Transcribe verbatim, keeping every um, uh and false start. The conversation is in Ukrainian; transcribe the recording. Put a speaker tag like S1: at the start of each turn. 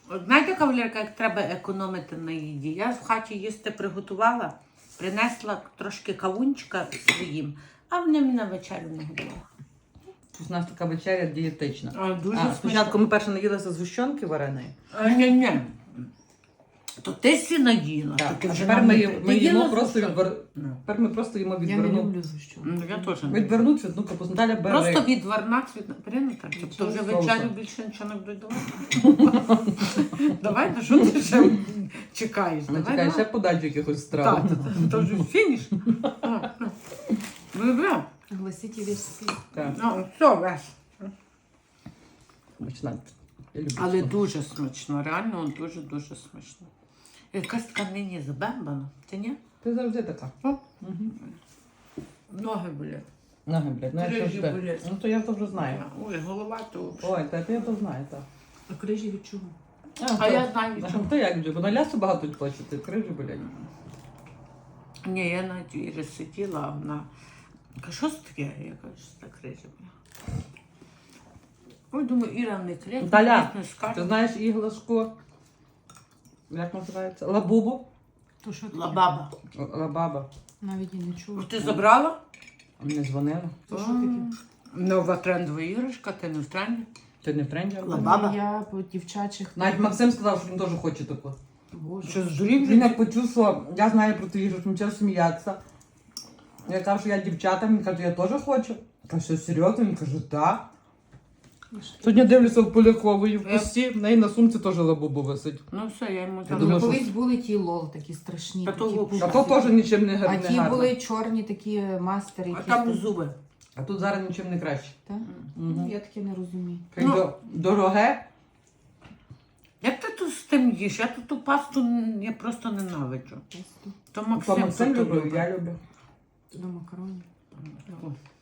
S1: От знаєте, кавалерка, як треба економити на їді? Я в хаті їсти приготувала, принесла трошки кавунчика своїм, а вони мені на вечерю не готували.
S2: У нас така вечеря дієтична.
S1: А, дуже
S2: А, спочатку ми перше наїлися згущенки вареної.
S1: А, ні, ні. То ти сі наїла.
S2: Так,
S1: то ти
S2: а
S1: вже
S2: тепер
S1: нам
S2: ми,
S1: не-
S2: їмо-
S1: Ти
S2: ми їмо
S1: їла
S2: просто
S1: згущенку?
S2: відвер...
S1: Ну.
S2: Тепер ми просто їмо
S3: Я не
S2: відверну.
S3: люблю зущенку.
S1: Ну, я теж не.
S2: Відверну цвітну капусту. Наталя бери.
S1: Просто відварна цвітна. Прийнято? Тобто вже
S2: Соусом.
S1: вечерю більше нічого не будуть давати? Давай, ну що ти ще чекаєш?
S2: Ну,
S1: Давай,
S2: чекай, ще
S1: давай.
S2: подачу якихось страв.
S1: Так, то- то вже фініш. Добре.
S3: Гласіть весь
S2: Так,
S1: Ну, все, весь.
S2: смачна. Я люблю.
S1: Але
S2: смак.
S1: дуже смачно, реально дуже-дуже смачно. Якась така нині забембана, ти ні?
S2: Ти завжди така.
S1: О.
S2: Угу.
S1: Ноги болять.
S2: Ноги, блядь, знаєш, що
S1: Крижі
S2: ж ти?
S1: болять.
S2: Ну то я то вже знаю.
S1: Ой, голова то.
S2: Ой, та ти я то знаю, так.
S3: А крижі від чого?
S1: А
S2: то-
S1: я знаю, від
S2: А
S1: чого.
S2: ти як вже? Бо на лясу багато хочете, крижі, блядь.
S1: Ні, я навіть Іри сиділа, а вона каже, що це таке? Я кажу, що це крижі. Ой, думаю, Іра не кричить,
S2: Наталя,
S1: не
S2: Ти
S1: скаже.
S2: знаєш іглашку? Як називається? Лабубу?
S3: То що таке?
S1: Лабаба.
S2: Лабаба.
S3: Навіть і не чула.
S1: Ти забрала?
S2: Не дзвонила.
S3: То що таке?
S1: Нова трендова іграшка, ти не в тренді.
S2: Ти не в тренді?
S1: Ла- Баба.
S3: Я по дівчачих.
S2: Навіть Максим сказав, що він теж хоче таку.
S3: Боже.
S1: Що, здурів?
S2: Він як почув, що я знаю про ту іграшку, він почав сміятися. Я кажу, що я дівчата, він каже, я теж хочу. Я кажу, що серйозно? Він каже, так. Сьогодні дивлюся в Полякової в
S1: Я-
S2: кості, в неї на сумці теж лабубу висить.
S1: Ну все, я йому
S2: Я
S1: забрала.
S2: думаю, що-
S3: Колись були ті лол такі страшні.
S1: Та
S3: такі
S1: то лол.
S3: пушки.
S2: А то теж нічим не
S3: А
S2: гарне.
S3: ті були чорні такі мастери.
S1: А
S3: якісь
S1: там
S3: там-
S1: зуби.
S2: А тут зараз нічим не краще.
S3: Та?
S2: Угу.
S3: Я таке не розумію.
S1: Ну.
S2: Дороге.
S1: Як ти тут з тим їш? Я тут ту пасту н- я просто ненавиджу.
S3: Просто
S1: То
S2: То
S1: Максим,
S2: Максим
S1: тут
S2: любив,
S1: любить.
S2: я люблю.
S3: до макаронів.
S1: О,